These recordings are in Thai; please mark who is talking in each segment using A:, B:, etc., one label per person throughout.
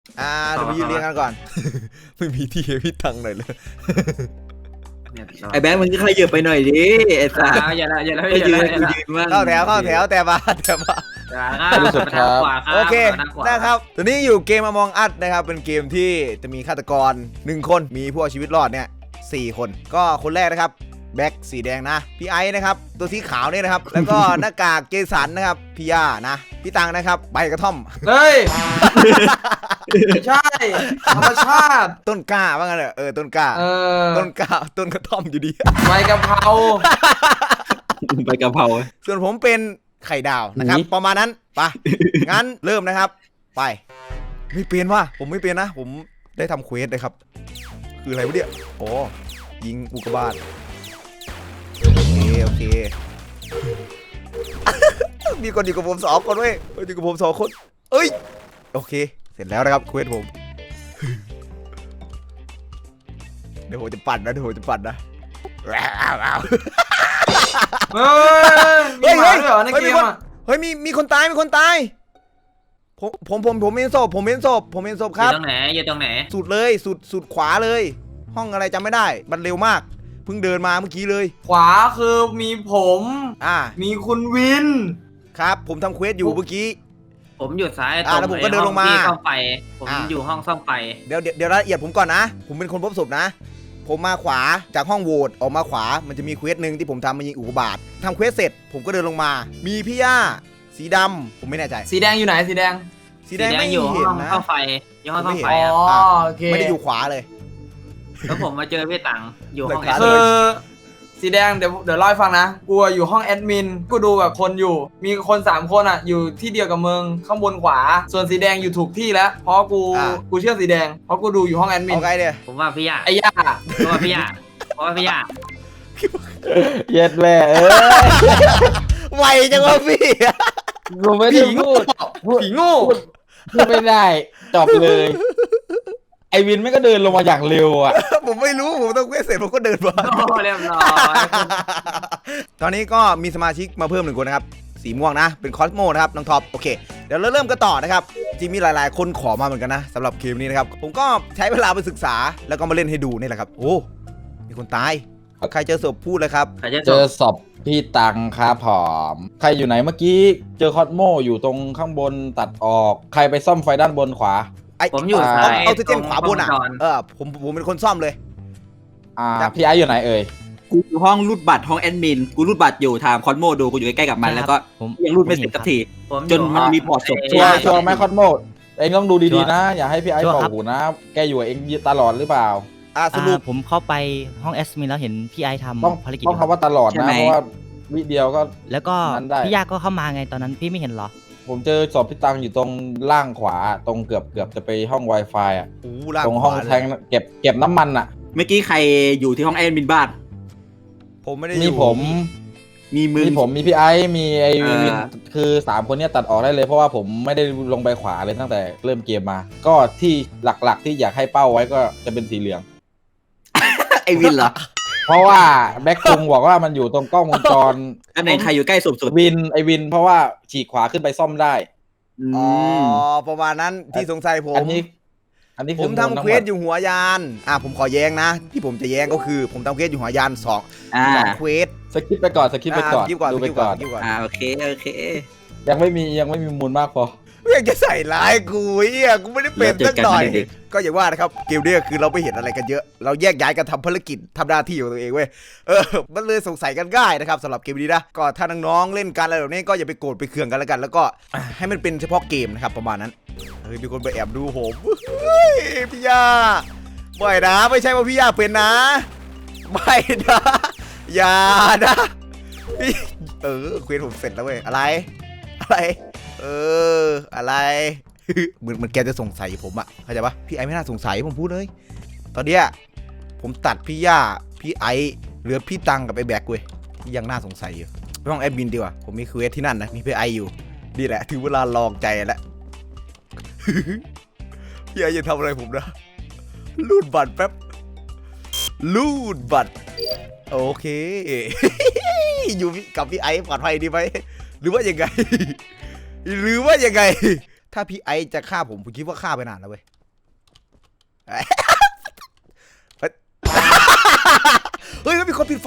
A: เดี๋ยวไปยืนเรียงกันก่อน ไม่มีที่ให้พี่ตังหน่อยเลย
B: ไอ้แบงค์มึงก็ขยับไปหน่อยดิไอ้สัส
C: อย่าละอย่าละ
B: ไป
C: อย่า
B: ยื
C: ละ
B: นกูยืนบ้าง
A: เข้าแถวแต่มา
C: รู้สึกครับ
A: โอเคนะครับตัวนี้อยู่เกม Among Us นะครับเป็นเกมที่จะมีฆาตกร1คนมีผู้เอาชีวิตรอดเนี่ย4คนก็คนแรกนะครับแบ็คสีแดงนะพี่ไอซ์นะครับตัวสีขาวเนี่ยนะครับแล้วก็หน้ากากเจสันนะครับพี่ย่านะพี่ตังนะครับใบกระท่อม
D: เฮ้ยใช่ธรรมชาติ
A: ต้นกล้าว่างั้นเหรอต้นกล้า ต้นกล้าต้นกระท่อมอยู่ดี
D: ใบกะเพรา
B: ใบกะเพรา
A: ส่วนผมเป็นไข่ดาวนะครับประมาณนั้นไปงั้นเริ่มนะครับไปไม่เปลี่ยนว่ะผมไม่เปลี่ยนนะผมได้ทำเควสเลยครับคืออะไรวะเนี่ยโอ้ยิงอุกกาบาตโอเค มีคนอยู่กับผม2 คนเว้ยอยู่กับผม2 คนเอ้ยโอเคเสร็จแล้วนะครับเควสผมเดี๋ยวผมจะปั่นนะ
D: เฮ้ยมีหมาด้วยเหรอในเกมอ่ะ
A: เฮ้ยมีคนตายผมเห็นศพครับ
C: อยู่ตรงไหน
A: สุดเลยสุดขวาเลย ห้องอะไรจำไม่ได้มันเร็วมากเพิ่งเดินมาเมื่อกี้เลย
D: ขวาคือมีผม มีคุณวิน
A: ครับผมทำเควสอยู่เมื่อกี้
C: ผมอยู่ซ้าย
A: แล้วผมก็เดินลงมา
C: ซ่อมไฟผมอยู่ห้องซ่อมไฟ
A: เดี๋ยวรายละเอียดผมก่อนนะผมเป็นคนพบศพนะผมมาขวาจากห้องโหวตออกมาขวามันจะมีเควสหนึ่งที่ผมทำมายิงอุกกาบาตทำเควสเสร็จผมก็เดินลงมามีพี่ย่าสีดำผมไม่แน่ใจ
D: สีแดงอยู่ไหนสีแดง
A: สีแดงไม่
C: อยู่
A: เห็น
C: ห้อง
A: นะ
C: ซ่อมไฟอยู่ห้องซ่อมไฟ
D: อ๋อ
C: ครับ
D: โอเค
A: ไม่ได้อยู่ขวาเลย
C: แล้วผมมาเจอพี่ตังอยู่ห้อง
A: หลักฐาน
D: คือสีแดงเดี๋ยวเล่าให้ฟังนะกูอยู่ห้องแอดมินกูดูแบบคนอยู่มีคน3 คนอ่ะอยู่ที่เดียวกับมึงข้างบนขวา ส่วนสีแดงอยู่ถูกที่แล้วเพราะกูเชื่อสีแดงเพราะกูดูอยู่ห้องแอดมิน
A: เอาไงเนี่ย
C: ผมว่าพี่ยา
D: ไอ้ย่า
C: เพราะว่าพี่ยา
E: เย็ดแม่
A: ไวจังวะพี่
E: กูไม่ได้พูด
D: ผีโง่
E: พูดไม่ได้จบเลย ไอวินไม่ก็เดินลงมาอย่างเร็วอ่ะ
A: ผมไม่รู้ผมต้องเควสเสร็จผมก็เดินมา
C: โอ้เรียบร้อย
A: ตอนนี้ก็มีสมาชิกมาเพิ่ม1 คนนะครับสีม่วงนะเป็นคอสโมนะครับน้องท็อปโอเคเดี๋ยวเราเริ่มกันต่อนะครับจริงมีหลายๆคนขอมาเหมือนกันนะสำหรับเกมนี้นะครับผมก็ใช้เวลาไปศึกษาแล้วก็มาเล่นให้ดูนี่แหละครับโอ้มีคนตายใครเจอศพพูดเลยครับ
E: เจอศพพี่ตังครับผมใครอยู่ไหนเมื่อกี้เจอคอสโมอยู่ตรงข้างบนตัดออกใครไปซ่อมไฟด้านบนขวา
C: ผมอยู่ซ้าย
A: เอาเจนขวาบนอ่ะผมเป็นคนซ่อมเลย
E: พี่ไอซ์อยู่ไหนเอ่ย
B: กูอยู่ห้องรูดบัตรห้องแอดมินกูรูดบัตรอยู่ทางคอนโมดูกูอยู่ใกล้ๆกับมันแล้วก็ยังรูดไม่เสร็จสักทีจนมันมีพอร์ตศพ
E: ชัวร์ไหมคอสโมเองต้องดูดีๆนะอย่าให้พี่ไอซ์บอกหูนะแกอยู่กับเองตลอดหรือเปล่า
A: สรุป
F: ผมเข้าไปห้องแอสมินแล้วเห็นพี่ไอทำภารกิจ
E: ต้องคำว่าตลอดนะเพราะว่าวิเดียวก็
F: แล้วก็
E: นั้นได้
F: พี่ยาก็เข้ามาไงตอนนั้นพี่ไม่เห็นเหรอ
E: ผมเจอศพพี่ตังอยู่ตรงล่างขวาตรงเกือบจะไปห้อง Wi-Fi อ่ะตรงห้องแทงเก็บน้ำมันอ่ะ
B: เมื่อกี้ใครอยู่ที่ห้องแอดมินบ้าน
A: ผมไม่ได้
E: มีผม
B: มีมึง
E: มีพี่ไอซ์มีไอวิน
B: อ่า
E: คือ3 คนเนี้ยตัดออกได้เลยเพราะว่าผมไม่ได้ลงไปขวาเลยตั้งแต่เริ่มเกมมา ก็ที่หลักๆที่อยากให้เป้าไว้ก็จะเป็นสีเหลือง
B: ไอวินเหรอ
E: เพราะว่าแบ็คคุงบอกว่ามันอยู่ตรงกล้องวงจร
B: ตำแหน่งใครอยู่ใกล้ศพสุด
E: วินเพราะว่าฉีกขวาขึ้นไปซ่อมได้
A: อ๋อประมาณนั้นที่สงสัยผม
E: อันนี้
A: ผ
E: คือ
A: มทำเควสอยู่หัวยานผมขอแย้งนะที่ผมจะแย้งก็คือผมทำเควสอยู่หัวยาน2เควส
E: สกิปไปก่อนดูไปก่อน
B: โอเค
E: ยังไม่มีมูลมากพอ
A: ไม่อยากจะใส่ร้ายกูกูไม่ได้เป็นสักหน่อยก็อย่างว่านะครับเกมนี้คือเราไม่เห็นอะไรกันเยอะเราแยกย้ายกันทำภารกิจทำหน้าที่ของตัวเองเว้ยมันเลยสงสัยกันง่ายนะครับสำหรับเกมนี้นะก็ถ้าน้องๆเล่นกันอะไรแบบนี้ก็อย่าไปโกรธไปเคืองกันแล้วกันแล้วก็ให้มันเป็นเฉพาะเกมนะครับประมาณนั้นมีคนไปแอบดูผมพี่ย่าบ่อยนะไม่ใช่ว่าพี่ย่าเป็นนะไม่นะอย่านะเควสผมเสร็จแล้วเว้ยอะไรอะไรเหมือนแกจะสงสัยผมอะเข้าใจปะพี่ไอไม่น่าสงสัยผมพูดเลยตอนเนี้ยผมตัดพี่ย่าพี่ไอเหลือพี่ตังกับไอแบกเว้ยที่ยังน่าสงสัยอยู่ไปห้องแอดมินดีกว่าผมมีเควสที่นั่นนะมีพี่ไออยู่นี่แหละถึงเวลาลองใจแล้ว พี่ไอจะทำอะไรผมนะลูดบัตรแป๊บลูดบัตรโอเค อยู่กับพี่ไอปลอดภัยดีไหมหรือว่ายังไง ถ้าพี่ไอจะฆ่าผมคิดว่าฆ่าไปนานแล้วเว้ยเฮ้ยมีคนปิดไฟ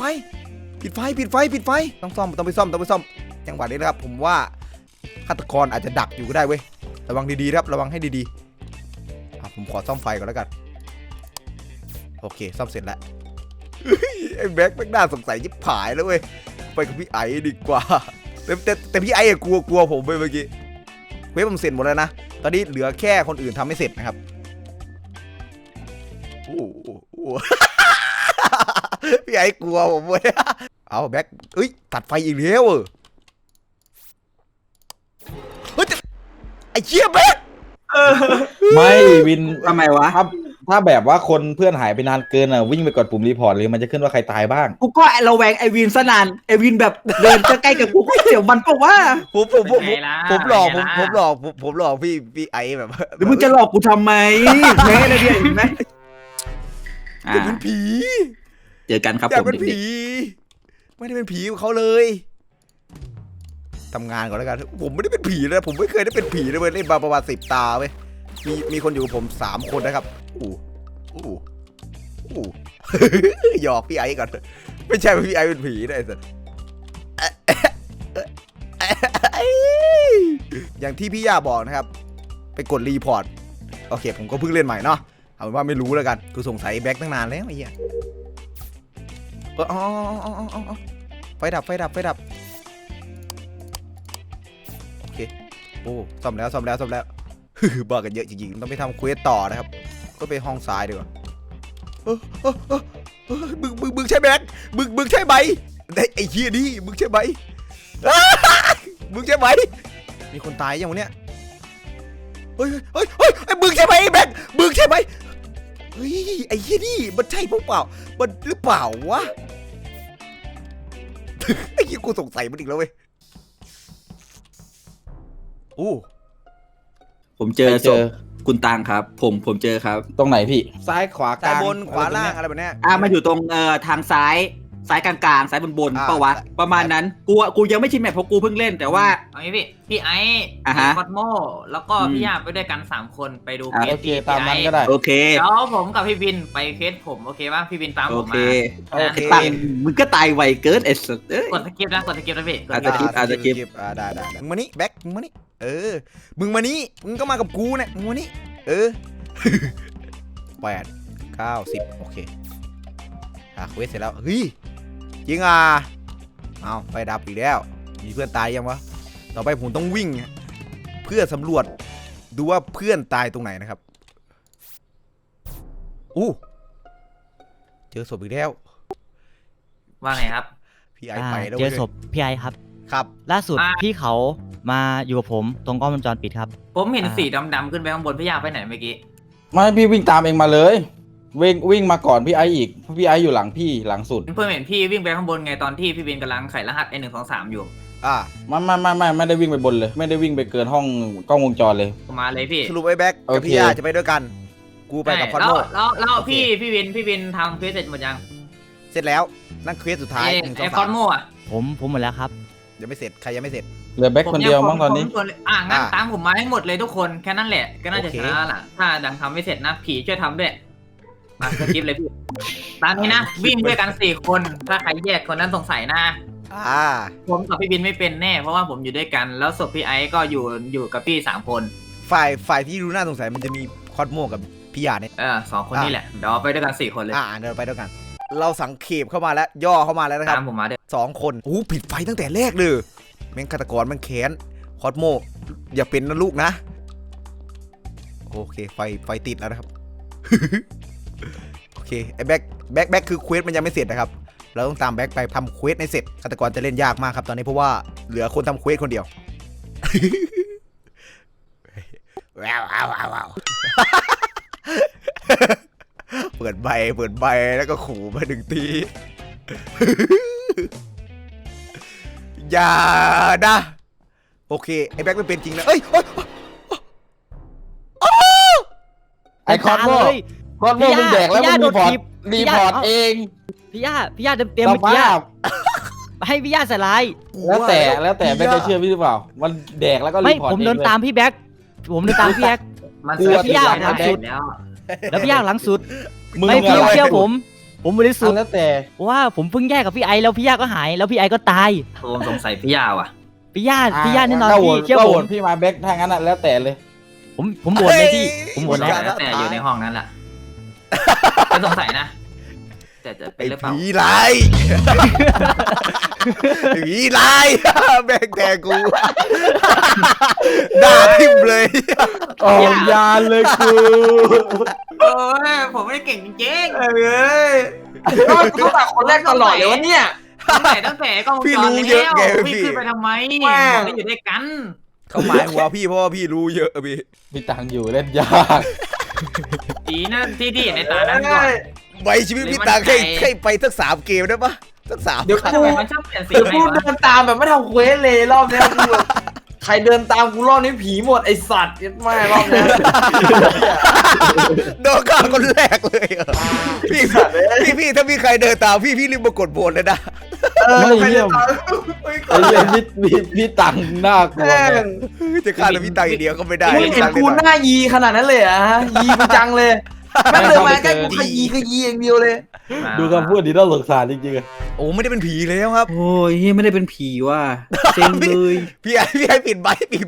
A: ต้องซ่อมต้องไปซ่อมจังหวะนี้นะครับผมว่าฆาตกรอาจจะดักอยู่ก็ได้เว้ยระวังดีๆครับระวังให้ดีๆผมขอซ่อมไฟก่อนแล้วกันโอเคซ่อมเสร็จแล้วไอ้แบ็คน่าสงสัยยิบผายแล้วเว้ยไปกับพี่ไอ้ดีกว่าแต่พี่ไอ้กลัวผมไปเมื่อกี้เว็บผมเสร็จหมดแล้วนะตอนนี้เหลือแค่คนอื่นทำไม่เสร็จนะครับโอ้พี่ไอ้กลัวผมเว้ยเอาแบ็คเอ้ยตัดไฟอีกแล้วเฮ้ยไอ้เชี่ยแบ็ค
E: ไม่วิน
B: ทำไมวะ
E: ถ้าแบบว่าคนเพื่อนหายไปนานเกินอ่ะวิ่งไปกดปุ่มรีพอร์ตเลยมันจะขึ้นว่าใครตายบ้าง
B: กูก็ระแวงไอวินซะนานไอวินแบบเดินใกล้ๆกับกูก็เสียวมันปะวะ
A: ผมหลอกพี่ไอ้แบบ
B: หรือมึงจะหลอกกูทำไมแม่เลยเนี่ยเห็นไหม
A: อยากเป็นผี
B: เจอกันครับ
A: อยา
B: ผ
A: ก
B: ม
A: เป็น
B: เด็
A: ผี
B: ก
A: ไม่ได้เป็นผีของเขาเลยทำงานก่อนแล้วกันผมไม่ได้เป็นผีเลยผมไม่เคยได้เป็นผีเลยเว้ยเล่นมาประมาณ10 ตาเว้ยมีคนอยู่กับผม3 คนนะครับหยอกพี่ไอ้ก่อนไม่ใช่พี่ไอ้เป็นผีนะไอ้สัสอย่างที่พี่ย่าบอกนะครับไปกดรีพอร์ตโอเคผมก็เพิ่งเล่นใหม่เนาะเอาเป็นว่าไม่รู้แล้วกันกูสงสัยแบ็คตั้งนานแล้วไอ้เหี้ยไฟดับโอเคโอ้ซ่อมแล้วบ้ากันเยอะจริงๆต้องไปทำเควสต่อนะครับก็ไปห้องซ้ายดีกว่ามึงใช่แบ็คมึงใช่ไหมไอ้เหี้ยนี่มึงใช่ไหมมึงใช่ไหมมีคนตายยังวะเนี่ยเฮ้ยมึงใช่ไหมแบ็คมึงใช่ไหมเฮ้ยไอ้เหี้ยนี่มันใช่เปล่ามันหรือเปล่าวะไอ้เหี้ยกูสงสัยมันอีกแล้วเว้ย
B: ผมเจอศพคุณตังครับผมเจอครับ
E: ตรงไหนพี่ซ้ายขวาก
A: ซ้าย
E: ลาง
A: บนขวาล่างอะไรแบบเนี้ย
B: มาอยู่ตรงทางซ้ายกลางๆซ้ายบนปะวะประมาณนั้นกูยังไม่ชินแมปเพราะกูเพิ่งเล่นแต่ว่า
C: เอางี้พี่ไอ้
B: ฮะ
C: คอสโมแล้วก็พี่ย่าไปด้วยกัน3 คนไปดูเคส
E: โอเค
C: ที่
E: ตาม
C: พี่
E: นั้
C: ไอ้
E: นก็ได้
B: โอเค
C: แล้วผมกับพี่บินไปเคสผมโอเคป่ะพี่บินตาม
B: โอ
C: ผม
B: เค
C: มา
A: โอเค
B: ตังมึงก็ตายไวเกินไอ้สัสเอ้ย
C: กดสกิปนะพี่
B: อาจจะ คลิป
A: ได้มึงมานี่แบ็คมึงมานี่มึงมานี่มึงก็มากับกูเนี่ยมึงมานี่8 9 10โอเคเควสเสร็จแล้วเฮ้ยจริงเอาไฟดับอีกแล้วมีเพื่อนตายยังวะต่อไปผมต้องวิ่งเพื่อสำรวจดูว่าเพื่อนตายตรงไหนนะครับเจอศพอีกแล้ว
C: ว่าไงครับ
A: พี่ไอไปแล้ว
F: เจอศพพี่ไอครับ
A: ครับ
F: ล่าสุดพี่เขามาอยู่กับผมตรงกล้องวงจรปิดครับ
C: ผมเห็นสีดำๆขึ้นไปข้างบนพี่ย่าไปไหนเมื่อกี้
E: ไม่พี่วิ่งตามเองมาเลยวิ่งมาก่อนพี่ไออีกเพราะพี่ไออยู่หลังพี่หลังสุด
C: เพื่อนเห็นพี่วิ่งไปข้างบนไงตอนที่พี่บินกำลังไขรหัส1 2 3อยู่
E: ไม่ได้วิ่งไปบนเลยไม่ได้วิ่งไปเกินห้องกล้องวงจรเลย
C: มาเลยพี่
A: สรุปไอ้แบ็คกับพี่ยาจะไปด้วยกันกูไปกับคอนโด
C: แล้วพี่บินทำเควสเสร็จหมดยัง
A: เสร็จแล้วนั่นเควสสุดท้าย
C: ไอ้คอนโมอ่ะ
F: ผมหมดแล้วครับ
A: ยังไม่เสร็จใครยังไม่เสร็จ
E: เหลือแบ็คคนเดียวมั้งตอนนี้
C: งั้นตามผมมาให้หมดเลยทุกคนแค่นั้นแหละก็น่าจะ
A: โอเค
C: ชนะล่ะถ้าดังทำไม่เสร็จนะผีช่วยทำด้วยมาสกิปเลยพี่ตามนี้นะวิ่งด้วยกัน4 คนถ้าใครแยกคนนั้นสงสัยนะผมกับพี่บินไม่เป็นแน่เพราะว่าผมอยู่ด้วยกันแล้วศพพี่ไอซ์ก็อยู่กับพี่3 คน
A: ฝ่ายที่ดูน่าสงสัยมันจะมีคอสโมกับพี่ยาเนี่ย
C: 2 คนนี่แหละเดี๋ยวเอาไปด้วยกัน4 คนเลย
A: เดินไปด้วยกัน เราสังเขปเข้ามาแล้วย่อเข้ามาแล้วนะครับ
C: ตามผมมาด้วย
A: 2 คนผิดไฟตั้งแต่แรกเลยแม่งฆาตกรมันแค้นคอสโมอย่าเป็นนะลูกนะโอเคไฟติดแล้วนะครับ โอเคไอ้แบ็คคือเควสมันยังไม่เสร็จนะครับเราต้องตามแบ็คไปทำเควสให้เสร็จฆาตกรจะเล่นยากมากครับตอนนี้เพราะว่าเหลือคนทำเควสคนเดียว ว้าวเปิดใบแล้วก็ขู่มา1 ที อย่านะโอเคไอ้แบ็คไม่เป็นจริงนะ
E: ไอคอนโมมึงแดกแล้วมึงรีพอร์ตเอง
F: พี่ย่าเตรียมเมื่อกี้ให้พี่ย่าใส่ลาย
E: แล้วแต่แบ็คจะเชื่อพี่หรือเปล่ามันแดกแล้วก็รี
F: ไม่
E: พอร์ต
F: ผมเดินตามพี่แบ็ค
C: มัน
F: กลัว
C: พี่ย่า
F: พี่ย่า
C: ทำสุดแล้ว
F: แล้วพี่ยากหลังสุด
E: มึง
F: ไม่พี่
E: อะไร
F: เชื่อผมบริสุทธิ์
E: แล้วแต่
F: ว่าผมเพิ่งแยกกับพี่ไอแล้วพี่ยากก็หายแล้วพี่ไอก็ตาย
C: ผมสงสัยพี่ยาวอ่ะ
F: พี่ยากแน่นอน
E: ก็โหว
F: พี่
E: ต
F: เชื่อ
E: ก็
F: ผ
E: โหว
F: ม
E: ตพี่มาแบ็คถ้างั้นอ่ะแล้วแต่เลย
F: ผมโหวตเลยพี่ผมโหวตแล้ว
C: แต่อยู่ในห้องนั้นแหละไม่สงสัยนะ แต่จะเป็
A: ไอ้
C: นหรือเปล่า
A: ผีร้ายไอ้ผีร้ายแม่งแทงกูด่าทิ่มเลย
E: ออกยานเลยกู
C: โอ้ยผมไม่ได้เก่งจริง
D: เอ้ยก็กูต้องตัดคนแรกตลอดเลยวะเนี่ย
C: ๆตั้งแต่กล้องวงจรแล้วพี่ขึ้นไปทำไมไม่อยู่ด้วยกัน
A: เขาหมายหัวพี่เพราะว่าพี่รู้เยอะพี่
E: มีตังค์อยู่เล่นยาก
C: ดีนะที่เห็นในตานั้นก่อน
A: ไว้ชีวิตพี่ตาให้ไปสัก3 เกมได้ปะสัก3
D: เดี๋ยว
A: ครั้ง
D: กู
C: มันชอบเปลี่ยนสี
D: เดี๋ยว
C: ไหน
D: กู
C: วะ
D: เดินตามแบบไม่ทำเควสเลยรอบเนี้ยกูแบบใครเดินตามกูรอบนี้ผีหมดไอสัตว์ยัดไม่รอบเนี้ย
A: โดนฆ่าคนแรกเลยเหรอพี่ถ้ามีใครเดินตามพี่รีบมากดโหวตเลยนะ
E: ไม่
D: ใคร
E: เยี่
D: เดิ
E: ย
D: น
E: ม
D: ตามไม่ก
E: ไอ้
D: ด
E: เรื่องพี่ตังค์น่ากลัว
D: แม่
E: เนี่ย
D: ง
A: จะฆ่าแต่พี่ตาอย่างเดียวก็ไม่ได้
D: มึงเห็นกูหน้ายีขนาดนั้นเลยเหรอะฮะยีกูจังเลยแม่งเดินมาใกล้กูขยี้อย่างเดียวเลย
E: ดูคำพูดดีน่าสงสารจริงๆอะ
A: โอ้ไม่ได้เป็นผีแล้วครับ
B: โอ้ยเหี้ยไม่ได้เป็นผีว่ะเซ็งเลย
A: พี่ไอ้ปิดใบ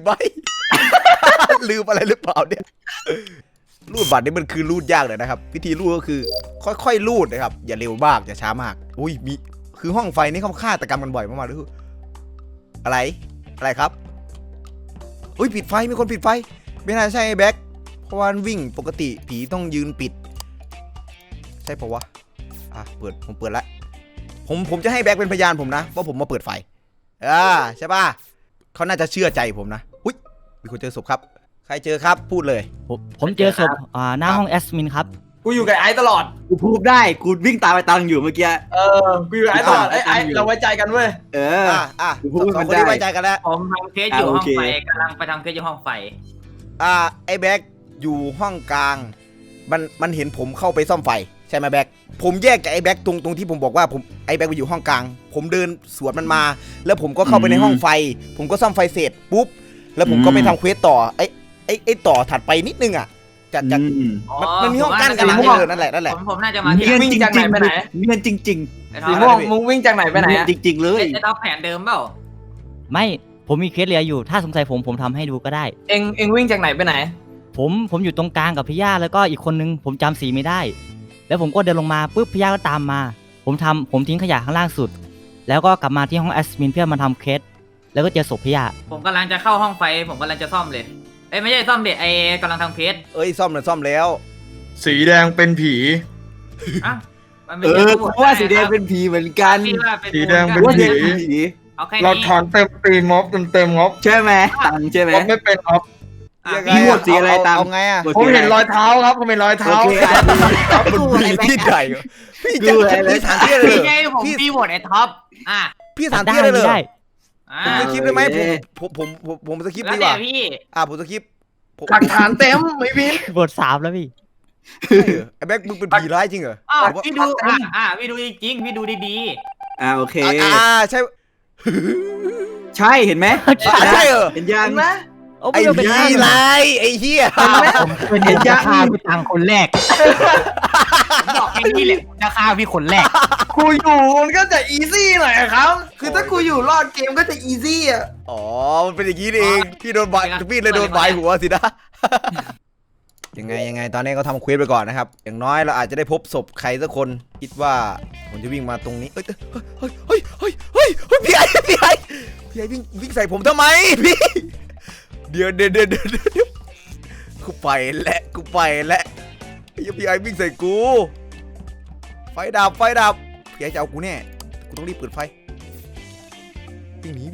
A: ลืมอะไรหรือเปล่าเนี่ยรูดบัตรนี่มันคือรูดยากเลยนะครับวิธีรูดก็คือค่อยๆรูดนะครับอย่าเร็วมากอย่าช้ามากอุ้ยมีคือห้องไฟนี่เขาฆาตกรรมกันบ่อยมากๆเลยอะไรครับอุ้ยปิดไฟมีคนปิดไฟไม่น่าใช่ไอ้แบ็คเพราะว่าวิ่งปกติผีต้องยืนปิดใช่ปะวะอ่ะผมเปิดแล้วผมจะให้แบ็คเป็นพยานผมนะว่าผมมาเปิดไฟใช่ป่ะเขาน่าจะเชื่อใจผมนะอุ้ยมีคนเจอศพครับใครเจอครับพูดเลย
F: ผมเจอศพหน้าห้องแอดมินครับ
D: กูอยู่กับไอ้ตลอด
B: กูพูดได้กูวิ่งตามไปตังอยู่เมื่อกี้
D: กูอยู่กับไอ้ตลอดไอ้เราไว้ใจกันเว้ย
B: เออ
A: สองคนนี้ไว้ใจกันแล้ว
C: ผมทำเคสอยู่ห้อง
B: โอเค
C: ไฟกำลังไปทำเคสอยู่ห้องไฟ
A: ไอ้แบ็คอยู่ห้องกลางมันเห็นผมเข้าไปซ่อมไฟใช่ไหมแบ็คผมแยกจากไอ้แบ็คตรงที่ผมบอกว่าไอ้แบ็คไปอยู่ห้องกลางผมเดินสวนมันมา แล้วผมก็เข้าไปในห้องไฟ ผมก็ซ่อมไฟเสร็จปุ๊บแล้วผมก็ไปทำเควสต่อไอ้ต่อถัดไปนิดนึงอ่ะจากมันมีห้องกั้นกันนั่นแหละ
C: ผมน่าจะมาที่
B: เนียน
D: วิ่ง
B: จริง
D: จากไหนไปไหน
B: ๆเนียนจริง
D: สีม่วงมึงวิ่งจากไหน
B: ๆ
D: ไปไหน
B: เนียน
D: อะ
B: จริง ๆ เลย
C: ไอ้ท็อปแผนเดิมเปล่า
F: ไม่ผมมีเคสเหลืออยู่ถ้าสงสัยผมทำให้ดูก็ได้
D: เอ็งวิ่งจากไหนไปไหน
F: ผมอยู่ตรงกลางกับพี่ย่าแล้วก็อีกคนนึงผมจำสีไม่ได้ แล้วผมก็เดินลงมาปุ๊บพี่ย่าก็ตามมา ผมทิ้งขยะข้างล่างสุด แล้วก็กลับมาที่ห้องแอดมินเพื่อมาทำเคสแล้วก็เจอศพพี่ย่า
C: ผมกำลังจะเข้าห้องไฟ ผมกำลังจะซ่อมเลยเอ้ยไม่ใช่ซ่อมเด็ดไอ้กำลังทำเคส
A: ซ่อมแล้ว
G: สีแดงเป็นผี
C: อ่ะมันไม่
B: เอ
C: ใช่
B: อ
C: ทั้งหม
B: เพราะว่าสีแดงเป็นผีเหมือนกัน
C: พี่ว่าเป็น
G: สีแดง
C: กู
G: เป็น
B: ว่า
G: ผี
B: สีแดงเป็นผี
C: เอาแค่
G: เรา
C: นี้
G: ถอนเต็มตีม็อบเต็มม็อบ
B: ใช่ไหมตังใช่ไหม
G: ม็อบไม่เป็นม็อบ
C: อ่ะ
A: ยังไง
B: พี่หมดสีอะไรตาม
A: เอาไงอ่ะ
G: ผมเห็นรอยเท้าครับผมเห็นรอยเท้า
B: โอเค
A: มันมีที่ไหนพี่จะพี่ถามพี่เลย
C: พี่ไงผมพี่โหวตไอ้ท็อปอ่ะ
A: พี่ถามพี่เลยเหรอ
F: ได้
C: อ่ะ
A: ผมสคริปต์ได้ไหมผมสคริปต์
C: แล้ว
A: ดีก
C: แต่
A: ว่า
C: พี่
A: ผมสคริปต์
D: หลักฐานเต็มไม่พิน
F: บท3แล้วพี่
A: ไอ้แบ็คมึงเป็นผีร้ายจริงเหรอ
C: อ้าวพี่ดูพี่ดูจริงๆพี่ดูดี
B: โอเค
A: ใช่
B: ใช่เห็นไหม
A: ใช่เหรอ
B: เห็นยัง
D: เห็นไหม
F: โอ้
A: ไอ้
F: ไม่เป็น
A: ผีร้ายไอ้เหี้ย
F: ผมเป็นจะฆ่าพี่ตังคนแรก
C: ๆผมบอกแค่นี้แหละผมจะฆ่าพี่คนแรก
D: กูอยู่มันก็จะอีซี่หน่อยอะครับ คือถ้ากูอยู่รอดเกมก็จะอีซี่อะ
A: อ๋อมันเป็นอย่างนี้เองพี่โดนบายพี่เลยโดนบายหัวสินะยังไงตอนนี้ก็ทำเควสไปก่อนนะครับอย่างน้อยเราอาจจะได้พบศพใครสักคนคิดว่าผมจะวิ่งมาตรงนี้เฮ้ยพี่ไอ้วิ่งใส่ผมทำไมพี่เดี๋ยวกูไปแล้วพี่ไอ้วิ่งใส่กูไฟดับพี่ไอ้จะเอากูแน่กูต้องรีบเปิดไฟวิ่งหนี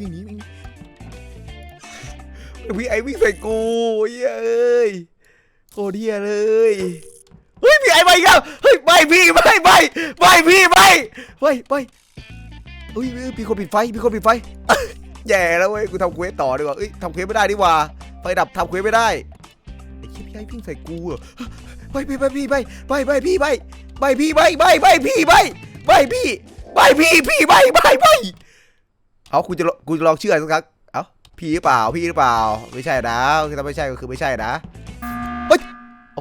A: พี่ไอ้วิ่งใส่กูเอ้ยโคตรเหี้ยเลยเฮ้ยพี่ไอ้ไปอีกแล้วเฮ้ยไม่พี่เฮ้ยพี่คนปิดไฟแย่แล้วเว้ยกูทำเควสต่อดีกว่าทำเควสไม่ได้ดีกว่าไฟดับทำเควสไม่ได้ไอ้พี่ไอ้วิ่งใส่กูเหรอพี่เอากูจะลองเชื่อสักครั้งเอาพี่หรือเปล่าไม่ใช่นะคือถ้าไม่ใช่ก็คือไม่ใช่นะเฮ้ยโอเค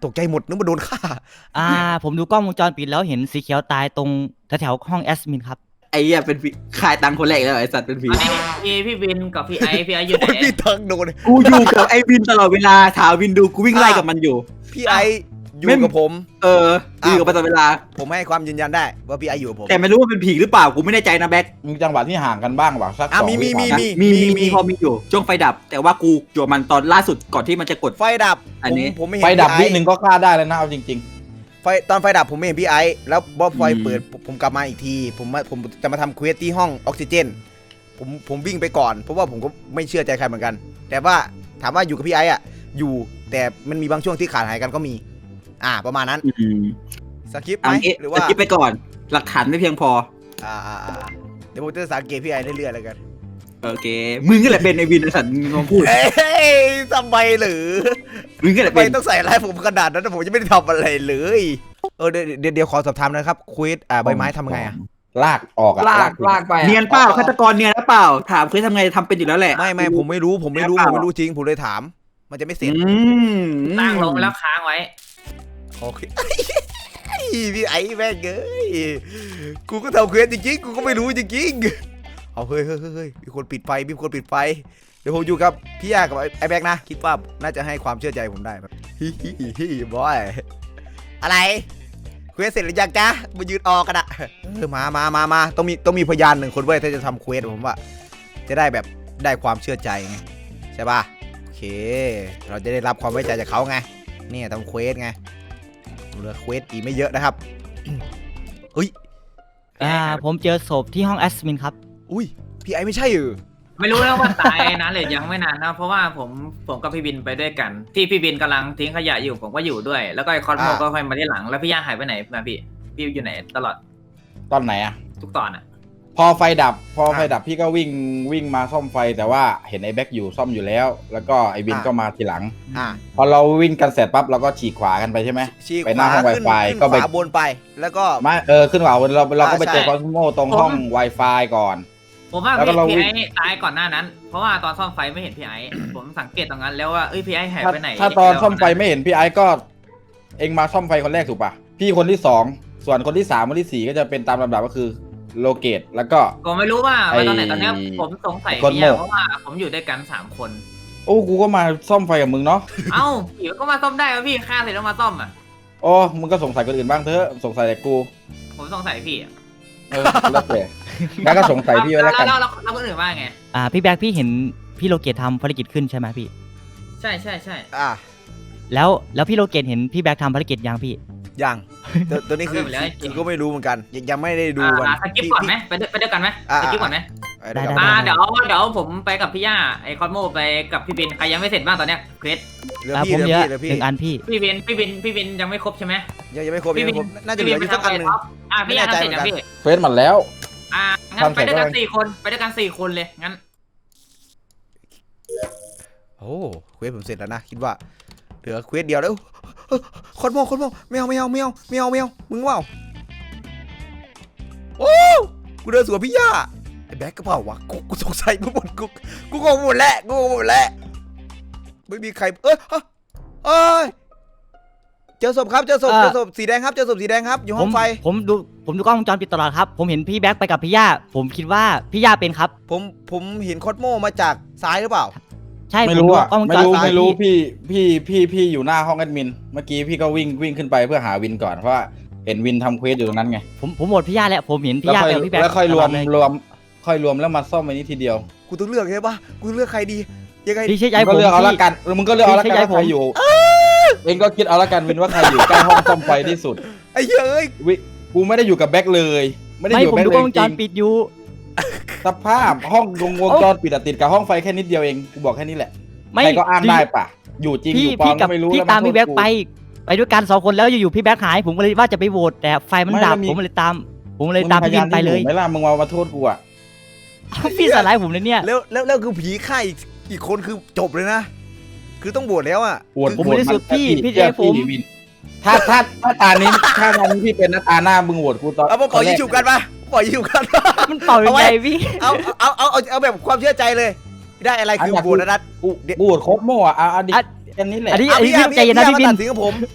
A: ตกใจหมดนึกว่าโดนฆ่า
F: ผมดูกล้องวงจรปิดแล้วเห็นสีเขียวตายตรงแถวๆห้องแอดมินครับ
B: ไอ้เหี้ยเป็นผีขายตังค์คนแรกแล้วไอ้สัตว์เป็นผี
C: อันนี้พี่บินกับพี่ไออยู่ไหน
A: โอ้ยพี่ตังโดน
B: กูอยู่กับไอ้วินตลอดเวลาถามวินดูกูวิ่งไล่กับมันอยู่
A: พี่ไออยู่
B: ไม่
A: กับผม
B: อยู่กับมันตลอดเวลา
A: ผมให้ความยืนยันได้ว่าพี่ไออยู่กับผม
B: แต่ไม่รู้ว่าเป็นผีหรือเปล่ากูไม่แน่ใจนะแบ็ค
E: มีจังหวะที่ห่างกันบ้างเปล่าสัก
A: อ่ะ
E: 2
A: มี
E: วิก่อนนะ
B: มีพอมีอยู่ช่วงไฟดับ แต่ว่ากูอยู่กับมันตอนล่าสุดก่อนที่มันจะกด
A: ไฟดับ
B: อันนี้
A: ผมไม่เห็น
E: ไฟดับ
A: พี่
E: วิหนึ่งก็ฆ่าได้แล้วนะเอาจริง
A: ตอนไฟดับผมไม่เห็นพี่ไอแล้วบอสไฟเปิดผมกลับมาอีกทีผมจะมาทำเควสที่ห้องออกซิเจนผมวิ่งไปก่อนเพราะว่าผมก็ไม่เชื่อใจใครเหมือนกัน แต่ว่าถามว่าอยู่กับพี่ไออ่ะอยู่แต่มันมีบางช่วงที่ขาดหายกันก็มีประมาณนั้นสกิปไหมหรือว่า
B: สกิปไปก่อน หลักฐานไม่เพียงพอ
A: เดี๋ยวผมจะสังเกตพี่ไอเรื่อยๆแล้วกัน
B: โอเคมึงก็แหละเป็นไอ้วินไอ้สัตว์มึงลองพูด
A: เอ้ยทำไมหรือ
B: มึงก็แหละ
A: ทำไม
B: เป็น
A: ต้องใส่ร้ายผมขนาดนั้นผมยังไม่ได้ทำอะไรเลยเดี๋ยวขอสอบถามนะครับควิสใบไม้ทำไง
E: ๆ ลากออกอะ
D: ลากไปอะ
B: เนียนเปล่าฆาตกรเนียนหรือเปล่าถามเคยทำไงทำเป็นอยู่แล้วแหละ
A: ไม่ผมไม่รู้จริงผมเลยถาม มันจะไม่เสร็จ
C: ตั้งลงแล้วค้างไว้
A: โอเค พี่ไอ้แม่งเอ้ยกูก็ทำเควสจริงๆกูก็ไม่รู้จริงๆเอาเฮ้ยมีคนปิดไฟเดี๋ยวผมอยู่กับพี่ยากับไอ้แบ็กนะคิดว่าน่าจะให้ความเชื่อใจผมได้แบบบอยอะไรเควสเสร็จหรือยังจ๊ะมายืนออกกันอะมาต้องมีพยาน1 คนเว้ยถ้าจะทำเควสผมว่าจะได้แบบได้ความเชื่อใจไงใช่ป่ะโอเคเราจะได้รับความไว้ใจจากเขาไงเนี่ยทำเควสไงเหลือเควสอีกไม่เยอะนะครับเฮ้ย
F: ผมเจอศพที่ห้องแอดมินครับ
A: อุ้ยพี่ไอไม่ใช่เหรอ
C: ไม่รู้แล้วว่าตายนานหรือยังไม่นานนะเพราะว่าผมกับพี่บินไปด้วยกัน ที่พี่บินกำลังทิ้งขยะอยู่ผมก็อยู่ด้วย แล้วก็ไอคอนโมก็ค่อยมาที่หลังแล้วพี่ย่าหายไปไหนมาพี่อยู่ไหนตลอด
E: ตอนไหนอะ
C: ทุกตอนอ่ะ
E: พอไฟดับพี่ก็วิ่งมาซ่อมไฟแต่ว่าเห็นไอ้แบ็คอยู่ซ่อมอยู่แล้ว แล้วก็ไอ้วินก็มาทีหลัง พอเราวิ่งกันเสร็จปั๊บเราก็ฉีกขวากันไปใช่ไหม
A: ชี้
E: ไปหน้าห้อง Wi-Fi
A: ก็
E: ก็
A: ไป
E: ไป
A: ขวาบนไปแล้วก็
E: ไม่ขึ้นขวาเราก็ไปเจอ
A: ใช่
E: คอสโมตรงห้อง Wi-Fi ก่อน
C: ผมว่า
E: แล้วก็เรา
C: พี่
E: วิ่
C: ไอง ตายก่อนหน้านั้น เพราะว่าตอนซ่อมไฟไม่เห็นพี่ไอ ผมสังเกตตรงนั้นแล้วว่าพี่ไอหายไปไหน
E: ถ้าตอนซ่อมไฟไม่เห็นพี่ไอ้ก็เองมาซ่อมไฟคนแรกถูกปะพี่คนที่2ส่วนคนที่3คนที่4ก็จะเป็นตามลำดับก็คือโลเกตแล้วก็
C: ผมไม่รู้ว่าตอนไหนตอนนี้ผมสงสัย
E: คน
C: พี่
E: โง่
C: ยาเพราะว่าผมอยู่ด้วยกัน3 คน
E: โอ้กูก็มาซ่อมไฟกับมึงเนาะ
C: เอ้าผีก็มาซ่อมได้แล้วพี่ฆ่าเสร็จแล้วมาซ่อมอ่ะ
E: โอ้มึงก็สงสัยคนอื่นบ้างเถอะสงสัยแต่กู
C: ผมสงสัยพี่อะ
E: แล้วแต่งั้นก็สงสัยพี่ไว้แล้วกัน
C: แล้วคนอื่นว่าไง
F: พี่แบ็คพี่เห็นพี่โลเกตทำภารกิจขึ้นใช่ไหมพี่
C: ใช่
F: แล้วพี่โลเกตเห็นพี่แบ็คทำภารกิจยังพี่
A: ยังตัวนี้คือก็ไม่รู้เหมือนกันยังไม่ได้ดูมัน
C: สกิปก่อนไหมไปด้วยกันไหมสกิปก่อนไหม
F: ได้
C: เดี๋ยวผมไปกับพี่ย่าไอคอนโมไปกับพี่บินใครยังไม่เสร็จบ้างตอนเนี้ยเควส
A: เหลือ
F: ผม
A: พี่
F: เยอะ
A: เหลือพี่
F: 1 อันพี่
C: พี่บินยังไม่ครบใช่ไหม
A: ยังไม่ครบน่าจะเหลืออยู่สักอันหนึ่ง
C: พี่ย่าทำเสร็จยังพี่
E: เฟซหมดแล้ว
C: งั้นไปด้วยกัน4 คนไปด้วยกัน4 คนเลยงั้น
A: โอ้เควสผมเสร็จแล้วนะคิดว่าเหลือเควสเดียวแล้วคนมองไม่เอามึงว่าโอ้กูเดินสวนพี่ย่าไอ้แบ็คก็เปล่าวะกูสงสัยกูงงหมดแล้วไม่มีใครเจอศพครับเจอศพสีแดงครับอยู่ห้องไฟ
F: ผมดูกล้องวงจรปิดตลอดครับผมเห็นพี่แบ็คไปกับพี่ย่าผมคิดว่าพี่ย่าเป็นครับ
A: ผมเห็นคอสโมมาจากซ้ายหรือเปล่า
F: ใช่
E: ไม่รู้อะ
F: ผดูกล้องวงจรปิด
E: ไม่รู้พี่อยู่หน้าห้องแอดมินเมื่อกี้พี่ก็วิ่งขึ้นไปเพื่อหาวินก่อนเพราะว่าเห็นวินทำเควสอยู่ตรงนั้นไง
F: ผมโหวตพี่ย่าแล้วผมเห็นพี่ย่าไปกับพี่แบ็ค
E: แล้วค่อยรวม
F: ตลดเลย
E: แล้วมาซ่อมไว้นี้ทีเดียว
A: กูต้องเลือกใช่ปะกูเลือกใครดียังไง
F: พี่เชื่อใจ
E: มึง
F: ผ
E: ก็
F: ม
E: เลือกเอาละกันมึงก็เลือกเอาละกัน
F: พี่
E: ว่าใครอยู่เองก็คิดเอาละกันวินว่าใครอยู่ใกล้ห้องซ่อมไฟที่สุด
A: ไอ้เหี้ยเอ้ย
E: กูไม่ได้อยู่กับแบ็คเลยไม่ได้
F: ไม่
E: อยู่
F: ผม
E: กับ
F: ดู
E: แบ็ค
F: กล้องวง
E: จ
F: จ
E: ริ
F: รง ปิดอยู่
E: สภาพห้องวงจรปิดอะติดกับห้องไฟแค่นิดเดียวเองกูบอกแค่นี้แหละ
F: ไม่
E: ใครก็อ้างได้ปะอยู่จริงอยู่ปลอมก็ไม่รู้
F: พี่
E: แล้ว
F: ตาม
E: โทษ
F: พี่แบ็ค
E: กู
F: ไปด้วยกัน2 คนแล้วอยู่ๆพี่แบ็คหายผมก็เลยว่าจะไปโหวตแต่ไฟมันดับผมเลยตามพี่บินไปเลย
E: ไม่ล่ะมึงมาโทษกูอะ
F: พี่สไลด์ผมเลยเนี่ย
A: แล้วคือผีฆ่าอีกคนคือจบเลยนะ คือต้องบวชแล้วอ่ะ
F: ผมไม่ได้สุดพี่เจผม
E: วินถ้าตานี้พี่เป็นตาหน้ามึงโหวตกูตอน
A: เอามาปล่อยยิงฉุบกันปะปล่อยยิงฉุบกัน
F: มันเป่ายังไงพี่
A: เอาแบบความเชื่อใจเลย ได้อะไรคือบวชนะนัด
E: กูโหวตโคตรโม่อะอันนี้แหละ
F: อันนี้พี่ใจเย็นนะพี่บิน
A: ตัดสินกับผม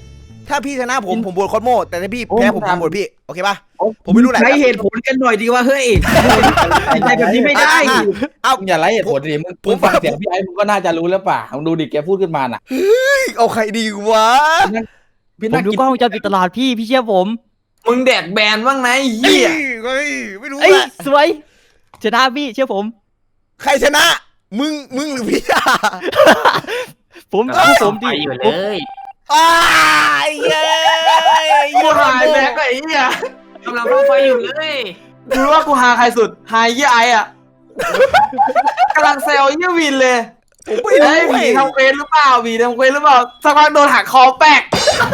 A: ถ้าพี่ชนะผมโหวตคอสโมแต่ถ้าพี่แพ้ผมโหวตพี่โอเคป่ะผมไม่รู้แหละ
B: ใช้เหตุผลกันหน่อยดีว่าเฮ้ยใจแบบนี้ไม่ได้
A: เอา
E: มึงอย่าไล่เหตุผลดิมึงฟังเสียงพี่ไอ้มึงก็น่าจะรู้แล้วป่ะมึงดูดิแกพูดขึ้นมาน่ะ
A: เอาใครดีวะ
E: พี่
F: ผม
E: น่า
F: ดู
E: กิน
F: กล้องวงจรปิดตลอดพี่เชื่อผม
D: มึงแดกแบนบ้างนะไอ้เหี้ย
A: เฮ้ยไม่รู้
F: เอ้ย
A: แหละ
F: สวยชนะพี่เชื่อผม
A: ใครชนะมึงหรือพี่อะ
F: ผม
C: กำลัง
F: ผ
C: ส่อ
F: ม
C: งไฟ
F: ดิ
C: อยู่เลย
A: อ้ายเย้
D: กูหายแบกไอ้เหี้ย
C: กำลังส่องไฟอยู่เลย
D: ดูว่ากูหาใครสุดหายเหี้ยไอ้อะกำลังแซวเหี้ยวินเลย
A: ผมไม่รู้
D: ไอ้ผีทำเควสหรือเปล่าผีทำเควสหรือเปล่าสักพักโดนหักคอแปก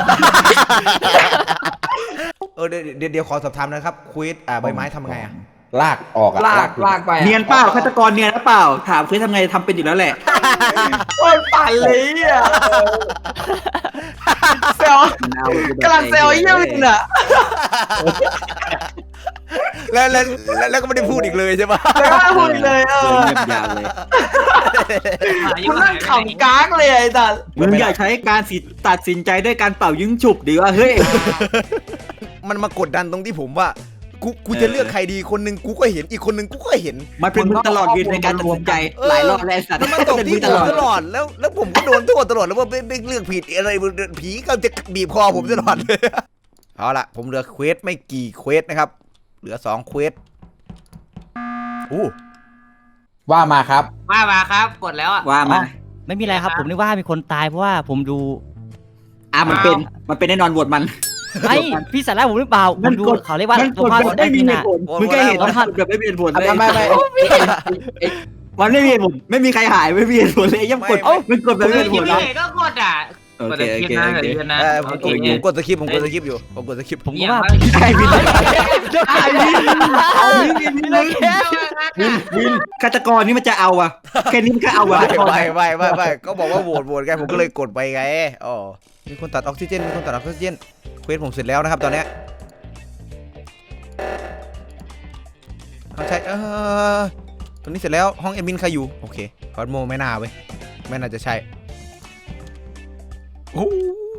A: เดี๋ยวขอสอบถามนะครับควิดใบไม้ทำไงอะ
E: ลากออกอะ
D: ลากไปอะ
B: เนียนเปล่าฆาตกรเนียนหรือเปล่าถามเคยทำไงทำเป็นอยู่แล้วแหละ
D: โคตรปั่นเลยอ่ะเซลกำลังเซลเยี่ยมเลยอ่ะ
A: แล้วก็ไม่ได้พูดอีกเลยใช่ปะ
D: แล้วก็ไม่พูดเลย
B: เงียบยาวเลย
D: คุณนั่งขำก้างเลยไอ้สัส
B: มึงอยากใช้การตัดสินใจด้วยการเป่ายิงฉุบดีว่าเฮ้ย
A: มันมากดดันตรงที่ผมว่ากูจะเลือกใครดีคนหนึ่งกูก็เห็นอีกคนหนึ่งกูก็เห็น
B: มันเป็นมึงตลอดยืนในการตัดสินใจหลายรอบแล้วสัตว์
A: แล้วมันตก
B: เป็น
A: ที่
B: มึง
A: ผ
B: ต
A: ม
B: ลอด
A: ตลอดแล้วผมก็โดนโทษตลอดแล้วว่าไม่เลือกผิดอะไรผีก็จะบีบคอผมตลอดเลยเอาล่ะผมเหลือเควสไม่กี่เควสนะครับเหลือ2เควสอู้
E: ว่ามาครับ
C: มาครับกดแล้วอ่ะ
B: ว่ามา
F: ไม่มีอะไรครับ ผมนึกว่ามีคนตายเพราะว่าผมดู
B: มันเป็นแน่นอนโหวตมัน
F: ไอ้พี่สาระผมหรือเปล่าผมดูเขาเรียกว่า
B: มัน
F: ตัวภาพ
B: กดไม่มีเหตุผลมึงแค่เห็นภาพแบบไม่มีเหตุผลเลย
E: ไม่
B: มันไม่มีเหตุผลไม่มีใครหายไม่มีเหตุผลเลยยังกดมันกดแบบไม่มีเหตุผล
C: พี่ก็กดอ่ะ
B: โอก
C: ด
B: เค
C: ส
B: โอ
C: คริป
B: เค
C: ต์นะ
B: โอเค
C: เดี๋ยวนะ
A: ผมกดสคริปต์ผมกดสคริปต์อยู่ผมกดสคริปต์
F: ผมก็ว่า
B: ใครวินฆาตกรนี่มันจะเอาอะแค่นี้มันก็เอาอะ
A: ไม่ก็บอกว่าโหวตไงผมก็เลยกดไปไงอ๋อมีคนตัดออกซิเจนเควสผมเสร็จแล้วนะครับตอนนี้ใช่ตอนนี้เสร็จแล้วห้องแอดมินใครอยู่โอเคคอสโมไม่น่าเว้ยไม่น่าจะใช่โอ้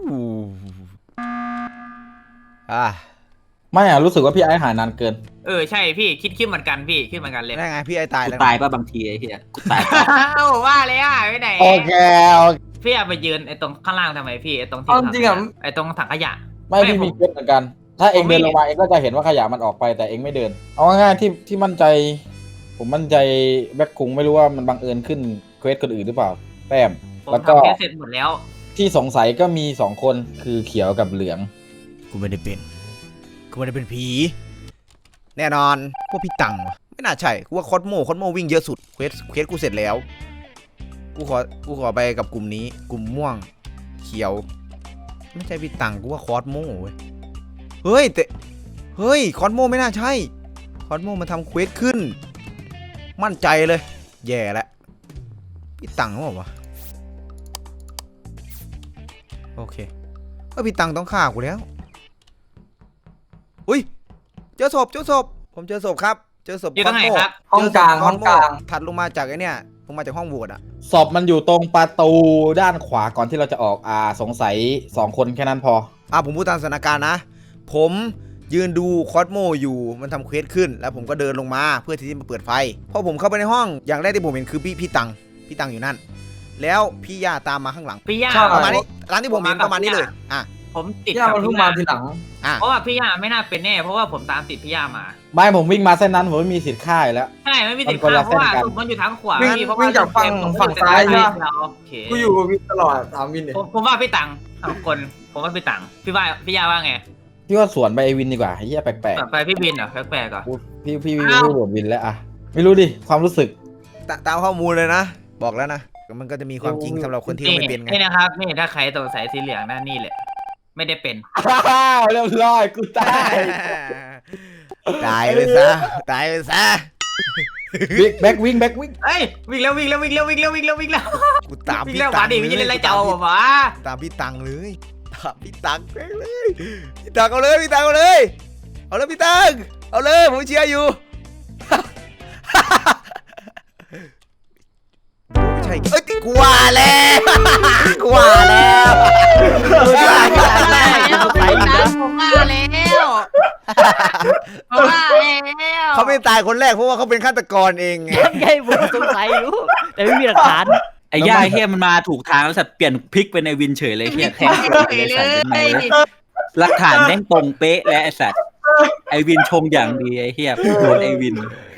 E: ไม่อะรู้สึกว่าพี่ไอ้หายนานเกิน
C: ใช่พี่คิดเหมือนกันพี่คิดเหมือนกันเลย
A: ได้ไงพี่ไอ้ตายแล้ว
B: ตายป่ะบางทีไอ้เหี้ยกูตาย
C: ว่าเลยอ่ะไปไหน
E: โอเค
C: พี่ไปยืนไอ้ตรงข้างล่างทำไมพี่ไอ้ตรงที่ไอ้ตรงถังขยะ
E: ไม่พี่มีเควสเหมือนกัน ถ้าเองเดินลงมาเองก็จะเห็นว่าขยะมันออกไปแต่เองไม่เดิน เอาง่ายๆที่มั่นใจ ผมมั่นใจแบ็คคุงไม่รู้ว่ามันบังเอิญขึ้นเควสคนอื่นหรือเปล่าแต้ม
C: ผม
E: แล้วก็
C: ทำแค่เสร็จหมดแล้ว
E: ที่สงสัยก็มี2คนคือเขียวกับเหลือง
A: กูไม่ได้เป็นผีแน่นอนกูพี่ตังวะไม่น่าใช่กูว่าคอสโมวิ่งเยอะสุดเควสกูเสร็จแล้วกูขอไปกับกลุ่มนี้กลุ่มม่วงเขียวไม่ใช่พี่ตังกูว่าคอสโมเว้ยเฮ้ยคอสโมไม่น่าใช่คอสโมมันทำเควสขึ้นมั่นใจเลยแย่แล้วพี่ตังหรือเปล่าวะโอเคก็พี่ตังต้องฆ่ากูแล้วอุ้ยเจอศพผมเจอศพครับเจอศพ
C: อยู่ตรงไหนครับ
D: ห้องกลางห้องกลาง
A: ถัดลงมาจากไอ้เนี่ยลงมาจากห้องโหวตอ่ะ
E: ศพมันอยู่ตรงประตูด้านขวาก่อนที่เราจะออกสงสัย2คนแค่นั้นพอ
A: ผมพูดตามสถานการณ์นะผมยืนดูคอสโมอยู่มันทำเควสขึ้นแล้วผมก็เดินลงมาเพื่อที่จะมาเปิดไฟพอผมเข้าไปในห้องอย่างแรกที่ผมเห็นคือพี่ตังอยู่นั่นแล้วพี่ย่าตามมาข้างหลัง
C: พี่ย่า
A: ประมาณนี้ร้านที่ผมเห็นประมาณนี้เลย
C: ผมติด
D: ย่า
C: กับ
D: มันเพิ่ง
C: พี่
D: มา
C: ย่า
D: ทีหลัง
C: เพราะว่าพี่ย่าไม่น่าเป็นแน่เพราะว่าผมตามติดพี่ย่ามา
E: ไม่ผมวิ่งมาเส้นนั้นผมไม่มีสิทธิ์ฆ่าอยู่แล้ว
C: ใช่ไม่มีติด
E: มันคนละ
C: เพราะว่า
E: เส้นกัน
C: ศพมันอยู่ทางขวา
D: วิ่ง
C: เพราะ
D: วิ่งจากฝั่งซ้ายใช่ไหม กูอยู่กับวินตลอดถามวินเนี่ย
C: ผมว่าพี่ตังสองคนผมว่าพี่ตังพี่ย่าว่าไง
E: พี่ว่าสวนไปไอวินดีกว่าไอ้เหี้ยแปลก
C: ไปพี่บินเหรอแปลกๆเหรอ
E: ๆพี่พูดโหวตวินแล้วอะไม่รู้ดิความรู้สึก
A: ตามข้อมูลเลยนะบอกแล้วนะมันก็จะมีความจริงสำหรับคนที่ไม่เป็นไง
C: นี่นะครับนี่ถ้าใครสงสัยสีเหลืองนั่นนี่แหละไม่ได้เป็น
E: เรียบร้อยกูตาย
A: ตายไปซะ
E: แบ็ควิ่ง
C: เอ้ยวิ่งแล้ว
A: กูตาม
C: วิ่ง
A: พี่
C: แล้วห
A: ตั
C: วาง นดิวิ่งเล่นไรเจ้าหวา
A: ตามพี่ตังเลยพี่ตังแม่งเลยพี่ตังเอาเลยเอาเลยพี่ตังเอาเลยผมเชียร์อยู่ไม่ใช่กลัวแล้ว
C: ว
A: เขาไม่ตายคนแรกเพราะว่าเขาเป็นฆาตกรเองไง
F: ยังไงผมสงสัยอยู่แต่ไม่มีหลักฐาน
B: ไอ้ย่าเฮียมันมาถูกทางแล้วสัตว์เปลี่ยนพลิกไปในวินเฉยเลยเฮียแทง หลักฐานแม่งตรงเป๊ะและไอ้สัตว์ไอวินชงอย่างดีไอ้เฮียโดนไอวิน